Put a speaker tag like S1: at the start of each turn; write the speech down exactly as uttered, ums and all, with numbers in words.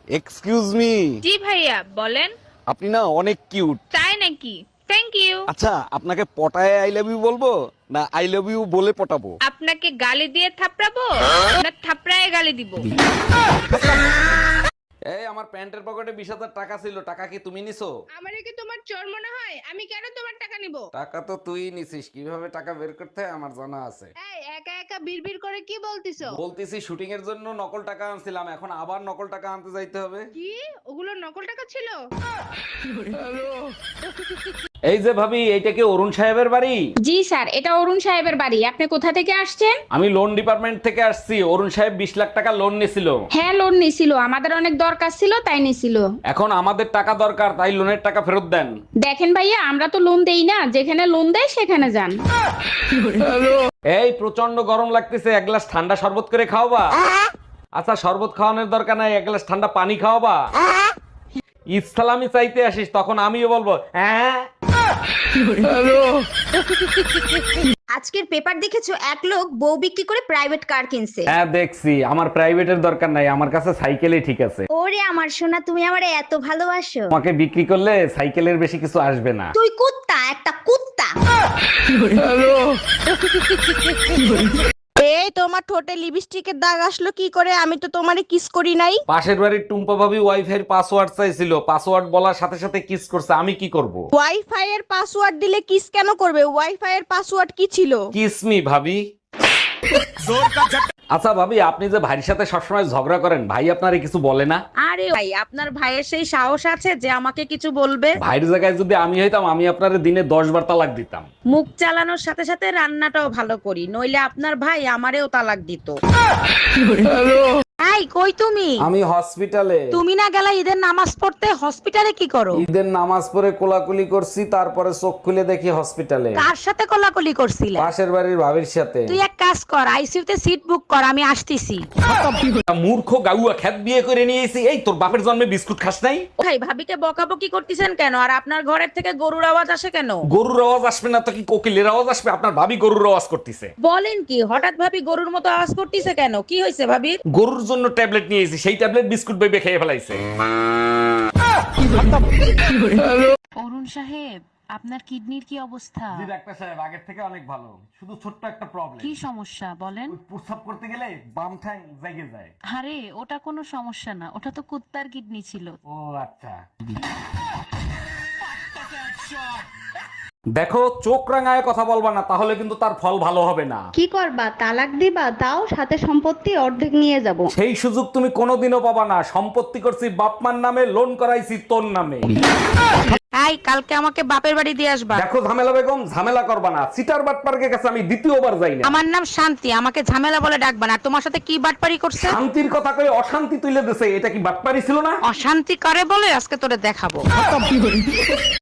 S1: Excuse me.
S2: জি ভাইয়া বলেন।
S1: আপনি না অনেক কিউট।
S2: তাই নাকি? Thank you.
S1: আচ্ছা, আপনাকে পটায় আই লাভ ইউ বলবো না আই লাভ ইউ বলে পটাবো?
S2: আপনাকে গালি দিয়ে থাপড়াবো না থাপড়ায় গালি দিব?
S1: এই আমার প্যান্টের পকেটে বিশ হাজার টাকা ছিল, টাকা কি তুমি নিছো?
S2: আমারে কি তোমার চোর মনে হয়? আমি কেন তোমার টাকা নিব?
S1: টাকা তো তুই নিছিস, কিভাবে টাকা বের করতে হয় আমার জানা আছে।
S2: এই একা একা বিড়বিড় করে কি বলতিছো?
S1: বলতেছি শুটিং এর জন্য নকল টাকা আনছিলাম, এখন আবার নকল টাকা আনতে যাইতে হবে।
S2: কি? ওগুলো নকল টাকা ছিল?
S1: এই যে ভাবি, এইটা কি অরুণ সাহেবের বাড়ি?
S3: জি স্যার, এটা অরুণ সাহেবের বাড়ি। আপনি কোথা থেকে আসছেন?
S1: আমি লোন ডিপার্টমেন্ট থেকে আসছি। অরুণ সাহেব বিশ লাখ টাকা লোন নিছিল।
S3: হ্যাঁ, লোন নিছিল, আমাদের অনেক দরকার ছিল তাই নিছিল।
S1: এখন আমাদের টাকা দরকার, তাই লোনের টাকা ফেরত দেন।
S3: দেখেন ভাইয়া, আমরা তো লোন দেই না, যেখানে লোন দেয় সেখানে যান।
S1: এই প্রচন্ড গরম লাগতেছে, এক গ্লাস ঠান্ডা শরবত করে খাওয়াবা? আচ্ছা, শরবত খাওয়ানোর দরকার নাই, এক গ্লাস ঠান্ডা পানি খাওয়াবা? ইসলামি চাইতে আসিস, তখন আমিও বলবো হ্যাঁ।
S4: আজকের পেপার দেখেছো, এক লোক বউ বিক্রি করে প্রাইভেট কার কিনছে।
S1: হ্যাঁ দেখছি, আমার প্রাইভেটের দরকার নাই, আমার কাছে সাইকেলই ঠিক আছে।
S4: ওরে আমার সোনা, তুমি আমারে এত ভালোবাসো।
S1: তোমাকে বিক্রি করলে সাইকেলের বেশি কিছু আসবে না।
S4: তুই কুত্তা, একটা কুত্তা।
S5: এই তোমার ঠোঁটে লিপস্টিকের দাগ আসলো কি করে? আমি তো তোমারে কিস করি নাই।
S1: পাশের বাড়ির টুম্পা ভাবি ওয়াইফাই পাসওয়ার্ড চাইছিল, পাসওয়ার্ড বলার সাথে সাথে কিস করছে, আমি কি করব?
S5: ওয়াইফাই এর পাসওয়ার্ড দিলে কিস কেন করবে? ওয়াইফাই এর পাসওয়ার্ড কি ছিল?
S1: কিস মি ভাবি। আচ্ছা ভাবি, আপনি যে ভাইয়ের সাথে সবসময় ঝগড়া করেন, ভাই আপনারে কিছু বলে না?
S5: আরে ভাই, আপনার ভাইয়ের সেই সাহস আছে যে আমাকে কিছু বলবে?
S1: ভাইয়ের জায়গায় যদি আমি হইতাম, আমি আপনারে দিনে দশ বার তালাক দিতাম।
S5: মুখ চালানোর সাথে সাথে রান্নাটাও ভালো করি, নইলে আপনার ভাই আমারেও তালাক দিত। এই কই তুমি?
S1: আমি হসপিটালে।
S5: তুমি না গেলা ঈদের নামাজ পড়তে? হসপিটালে কি করো?
S1: ঈদের নামাজ পড়ে কোলাকুলি করছি, তারপরে চোখ খুলে দেখি হসপিটালে।
S5: কার সাথে কোলাকুলি করছিলে?
S1: পাশের বাড়ির ভাবির সাথে।
S5: তুই এক কাজ কর, আইসিইউতে সিট বুক কর, আমি আসতেছি।
S1: মূর্খ গাউয়া খ্যাত বিয়ে করে নিয়েছি। এই তোর বাপের জন্মে বিস্কুট খাস নাই?
S5: ভাই, ভাবিকে বকাবকি করতেছেন কেন? আর আপনার ঘরের থেকে গরুর আওয়াজ আসে কেন?
S1: গরুর আওয়াজ আসবে না তো কি কোকিলের আওয়াজ আসবে? আপনার ভাবি গরুর আওয়াজ করতেছে।
S5: বলেন কি, হঠাৎ ভাবি গরুর মতো আওয়াজ করতেছে কেন? কি হয়েছে ভাবি?
S1: গরুর জন্য ট্যাবলেট নিয়েছি, সেই ট্যাবলেট বিস্কুট বেবে খেয়ে ফেলাইছে।
S6: অরুণ সাহেব, আপনার কিডনির কি অবস্থা?
S1: জি ডাক্তার সাহেব, আগের থেকে অনেক ভালো, শুধু ছোট্ট একটা প্রবলেম।
S6: কি সমস্যা বলেন?
S1: প্রস্রাব করতে গেলে বাম ঠ্যাং জেগে যায়।
S6: আরে ওটা কোনো সমস্যা না, ওটা তো কুত্তার কিডনি ছিল।
S1: ও আচ্ছা। দেখো, চোখ রাঙায় কথা বলবা না, তাহলে কিন্তু তার ফল ভালো হবে না।
S7: কি করবা, তালাক দিবা? তাও সাথে সম্পত্তি অর্ধেক নিয়ে যাব।
S1: সেই সুযোগ তুমি কোনোদিনও পাবা না। সম্পত্তি করছি বাপমার নামে, লোন করাইছি তোর নামে।
S5: এই কালকে আমাকে বাপের বাড়ি দিয়ে আসবা।
S1: দেখো ঝামেলা বেগম, ঝামেলা করবা না। সিটার বাটপার্কের কাছে আমি দ্বিতীয়বার যাই না।
S5: আমার নাম শান্তি, আমাকে ঝামেলা বলে ডাকবা না। আর তোমার সাথে কি বাটপারি করছে?
S1: শান্তির কথা কই অশান্তি তুলে দিছে, এটা কি বাটপারি ছিল না?
S5: অশান্তি করে বলে আজকে তোরে দেখাবো।